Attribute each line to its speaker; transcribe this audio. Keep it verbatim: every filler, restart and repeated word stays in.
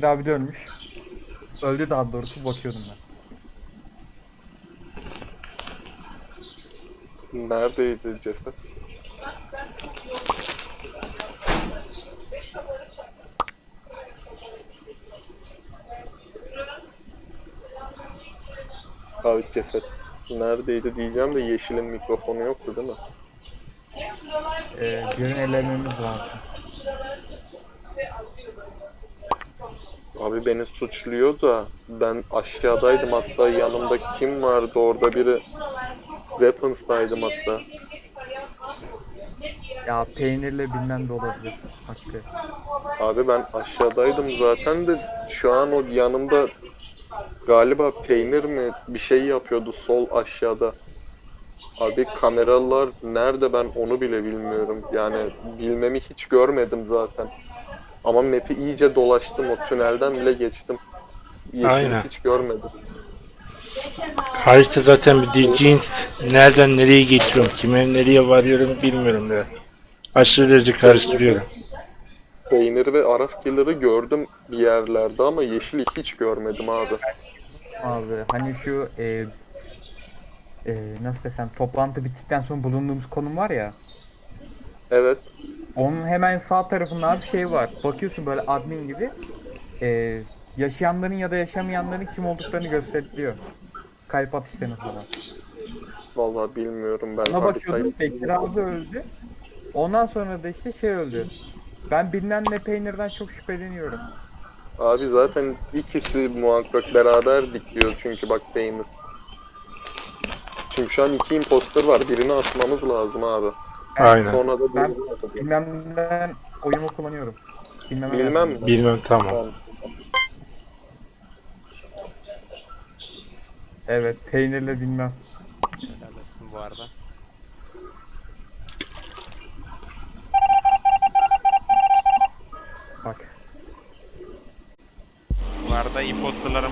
Speaker 1: Bekir abi de ölmüş. Öldü daha doğrusu, bakıyordum ben.
Speaker 2: Neredeydi ceset? Abi ceset neredeydi diyeceğim de Yeşil'in mikrofonu yoktu değil mi?
Speaker 1: Ee, birini elememiz lazım.
Speaker 2: Abi beni suçluyor da ben aşağıdaydım, hatta yanımda kim vardı orada, biri Weapons'taydım hatta.
Speaker 1: Ya peynirle bilmem de olabilir. Hakkı.
Speaker 2: Abi ben aşağıdaydım zaten de şu an o yanımda galiba peynir mi bir şey yapıyordu sol aşağıda. Abi kameralar nerede ben onu bile bilmiyorum. Yani bilmemi hiç görmedim zaten. Ama map'i iyice dolaştım, o tünelden bile geçtim. Yeşili
Speaker 3: Aynen.
Speaker 2: hiç görmedim.
Speaker 3: Harita zaten bir dil cins. Nereden nereye geçiyorum, kime nereye varıyorum bilmiyorum da. Aşırı derece karıştırıyorum.
Speaker 2: Peyniri ve Araf Killer'ı gördüm bir yerlerde ama Yeşil'i hiç görmedim abi.
Speaker 1: Abi hani şu e, e, nasıl desem, toplantı bittikten sonra bulunduğumuz konum var ya.
Speaker 2: Evet.
Speaker 1: Onun hemen sağ tarafında abi şey var. Bakıyorsun böyle admin gibi. E, yaşayanların ya da yaşamayanların kim olduklarını gösteriyor. Kalp atışlarını falan.
Speaker 2: Vallahi bilmiyorum ben
Speaker 1: Ona
Speaker 2: haritayı.
Speaker 1: bakıyordum, Bekir abi öldü. Ondan sonra da işte şey öldü. Ben bilmem ne peynirden çok şüpheleniyorum.
Speaker 2: Abi zaten ikisi muhakkak beraberdik diyor çünkü bak Peynir. Çünkü şu an iki imposter var. Birini atmamız lazım abi.
Speaker 1: Ben,
Speaker 3: Aynen.
Speaker 2: Sonra da
Speaker 1: ben
Speaker 2: birini atacağız.
Speaker 1: bilmem neden oyumu kullanıyorum. Bilmem
Speaker 2: Bilmem
Speaker 1: nereden.
Speaker 2: mi?
Speaker 3: Bilmem, tamam.
Speaker 2: Tamam.
Speaker 1: Evet, peynirle bilmem.
Speaker 4: Helalleşsin bu arada.